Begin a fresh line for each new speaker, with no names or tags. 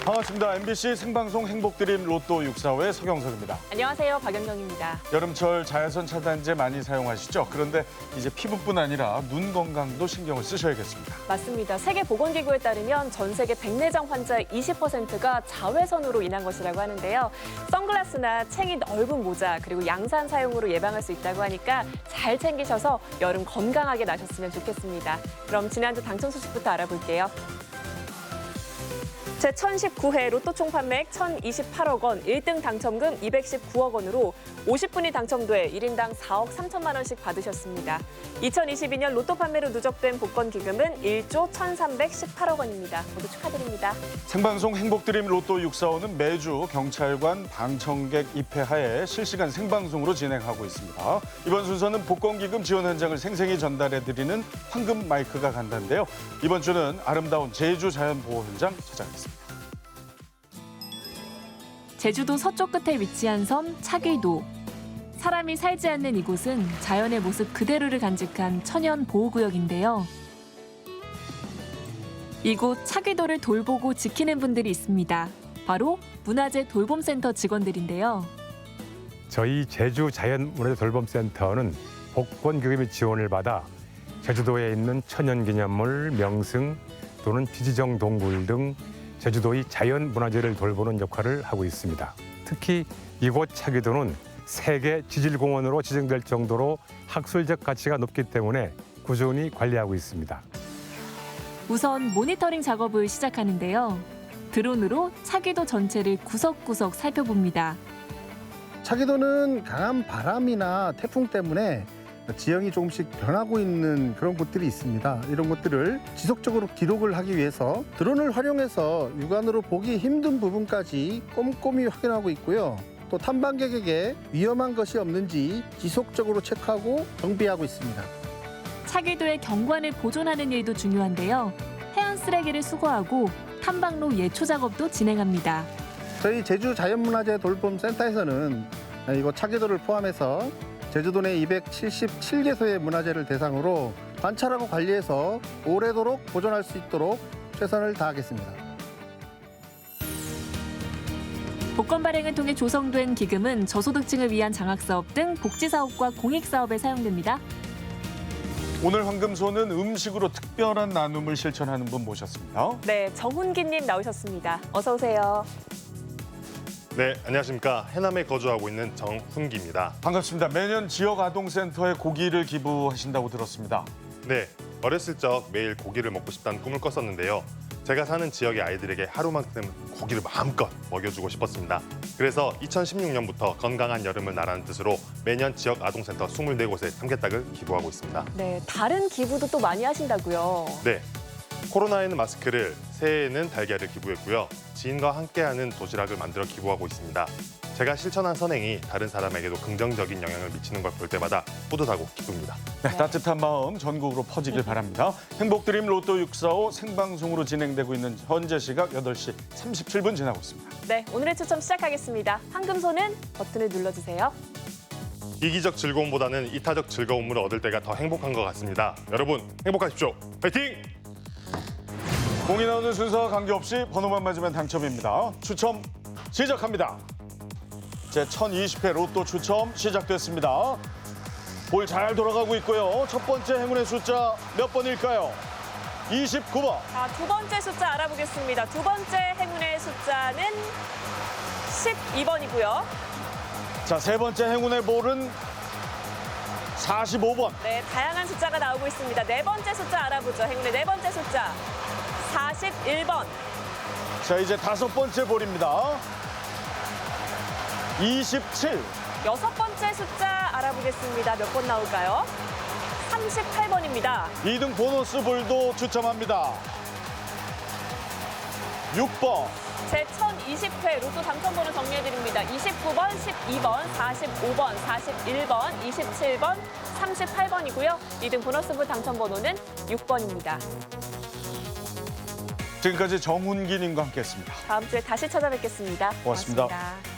반갑습니다. MBC 생방송 행복드림 로또 645의 서경석입니다.
안녕하세요. 박연경입니다.
여름철 자외선 차단제 많이 사용하시죠? 그런데 이제 피부뿐 아니라 눈 건강도 신경을 쓰셔야겠습니다.
맞습니다. 세계보건기구에 따르면 전 세계 백내장 환자의 20%가 자외선으로 인한 것이라고 하는데요. 선글라스나 챙이 넓은 모자 그리고 양산 사용으로 예방할 수 있다고 하니까 잘 챙기셔서 여름 건강하게 나셨으면 좋겠습니다. 그럼 지난주 당첨 소식부터 알아볼게요. 제1019회 로또 총 판매액 1,028억 원, 1등 당첨금 219억 원으로 50분이 당첨돼 1인당 4억 3천만 원씩 받으셨습니다. 2022년 로또 판매로 누적된 복권 기금은 1조 1,318억 원입니다. 모두 축하드립니다.
생방송 행복드림 로또 645는 매주 경찰관 방청객 입회하에 실시간 생방송으로 진행하고 있습니다. 이번 순서는 복권 기금 지원 현장을 생생히 전달해드리는 황금 마이크가 간다인데요. 이번 주는 아름다운 제주 자연보호 현장 찾아가겠습니다.
제주도 서쪽 끝에 위치한 섬 차귀도. 사람이 살지 않는 이곳은 자연의 모습 그대로를 간직한 천연 보호구역인데요. 이곳 차귀도를 돌보고 지키는 분들이 있습니다. 바로 문화재 돌봄센터 직원들인데요.
저희 제주 자연문화재 돌봄센터는 복권 기금의 지원을 받아 제주도에 있는 천연기념물, 명승 또는 피지정 동굴 등 제주도의 자연문화재를 돌보는 역할을 하고 있습니다. 특히 이곳 차귀도는 세계 지질공원으로 지정될 정도로 학술적 가치가 높기 때문에 꾸준히 관리하고 있습니다.
우선 모니터링 작업을 시작하는데요. 드론으로 차귀도 전체를 구석구석 살펴봅니다.
차기도는 강한 바람이나 태풍 때문에 지형이 조금씩 변하고 있는 그런 곳들이 있습니다. 이런 것들을 지속적으로 기록을 하기 위해서 드론을 활용해서 육안으로 보기 힘든 부분까지 꼼꼼히 확인하고 있고요. 또 탐방객에게 위험한 것이 없는지 지속적으로 체크하고 정비하고 있습니다.
차귀도의 경관을 보존하는 일도 중요한데요. 해안 쓰레기를 수거하고 탐방로 예초 작업도 진행합니다.
저희 제주 자연문화재 돌봄센터에서는 이곳 차기도를 포함해서 제주도 내 277개소의 문화재를 대상으로 관찰하고 관리해서 오래도록 보존할 수 있도록 최선을 다하겠습니다.
복권 발행을 통해 조성된 기금은 저소득층을 위한 장학사업 등 복지사업과 공익사업에 사용됩니다.
오늘 황금소는 음식으로 특별한 나눔을 실천하는 분 모셨습니다.
네, 정훈기님 나오셨습니다. 어서 오세요.
네, 안녕하십니까. 해남에 거주하고 있는 정훈기입니다.
반갑습니다. 매년 지역 아동센터에 고기를 기부하신다고 들었습니다.
네, 어렸을 적 매일 고기를 먹고 싶다는 꿈을 꿨었는데요. 제가 사는 지역의 아이들에게 하루만큼 고기를 마음껏 먹여주고 싶었습니다. 그래서 2016년부터 건강한 여름을 나라는 뜻으로 매년 지역 아동센터 24곳에 삼계닭을 기부하고 있습니다.
네, 다른 기부도 또 많이 하신다고요.
네, 코로나에는 마스크를, 새해에는 달걀을 기부했고요. 지인과 함께하는 도시락을 만들어 기부하고 있습니다. 제가 실천한 선행이 다른 사람에게도 긍정적인 영향을 미치는 걸 볼 때마다 뿌듯하고 기쁩니다.
네, 따뜻한 마음 전국으로 퍼지길 바랍니다. 행복드림 로또 645 생방송으로 진행되고 있는 현재 시각 8시 37분 지나고 있습니다.
네, 오늘의 추첨 시작하겠습니다. 황금소는 버튼을 눌러주세요.
이기적 즐거움보다는 이타적 즐거움을 얻을 때가 더 행복한 것 같습니다. 여러분, 행복하십시오. 화이팅!
공이 나오는 순서와 관계없이 번호만 맞으면 당첨입니다. 추첨 시작합니다. 제1020회 로또 추첨 시작됐습니다. 볼 잘 돌아가고 있고요. 첫 번째 행운의 숫자 몇 번일까요? 29번.
자, 두 번째 숫자 알아보겠습니다. 두 번째 행운의 숫자는 12번이고요.
자, 세 번째 행운의 볼은 45번.
네, 다양한 숫자가 나오고 있습니다. 네 번째 숫자 알아보죠. 행운의 네 번째 숫자 41번.
자, 이제 다섯 번째 볼입니다. 27.
여섯 번째 숫자 알아보겠습니다. 몇 번 나올까요? 38번입니다.
2등 보너스 볼도 추첨합니다. 6번.
제1020회 로또 당첨번호 정리해드립니다. 29번, 12번, 45번, 41번, 27번, 38번이고요. 2등 보너스볼 당첨번호는 6번입니다.
지금까지 정훈기님과 함께했습니다.
다음 주에 다시 찾아뵙겠습니다.
고맙습니다.
고맙습니다.